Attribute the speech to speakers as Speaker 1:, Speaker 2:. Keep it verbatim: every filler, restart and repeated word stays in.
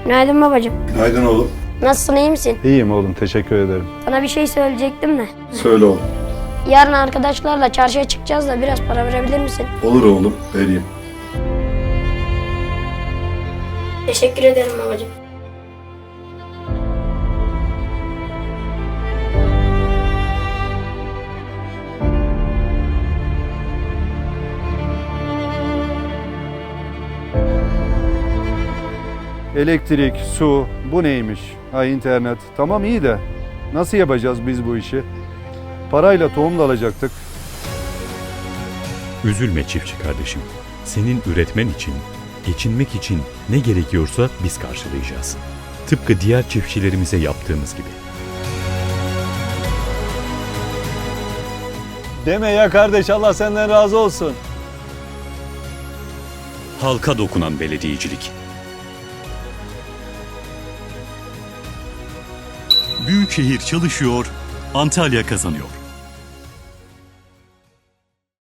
Speaker 1: Günaydın babacığım.
Speaker 2: Günaydın oğlum.
Speaker 1: Nasılsın, iyi misin?
Speaker 3: İyiyim oğlum, teşekkür ederim.
Speaker 1: Sana bir şey söyleyecektim de.
Speaker 2: Söyle oğlum.
Speaker 1: Yarın arkadaşlarla çarşıya çıkacağız da biraz para verebilir misin?
Speaker 2: Olur oğlum, vereyim.
Speaker 1: Teşekkür ederim babacığım.
Speaker 3: Elektrik, su, bu neymiş? Ha, internet. Tamam iyi de nasıl yapacağız biz bu işi? Parayla tohum da alacaktık.
Speaker 4: Üzülme çiftçi kardeşim. Senin üretmen için, geçinmek için ne gerekiyorsa biz karşılayacağız. Tıpkı diğer çiftçilerimize yaptığımız gibi.
Speaker 3: Deme ya kardeş, Allah senden razı olsun.
Speaker 4: Halka dokunan belediyecilik. Büyükşehir çalışıyor, Antalya kazanıyor.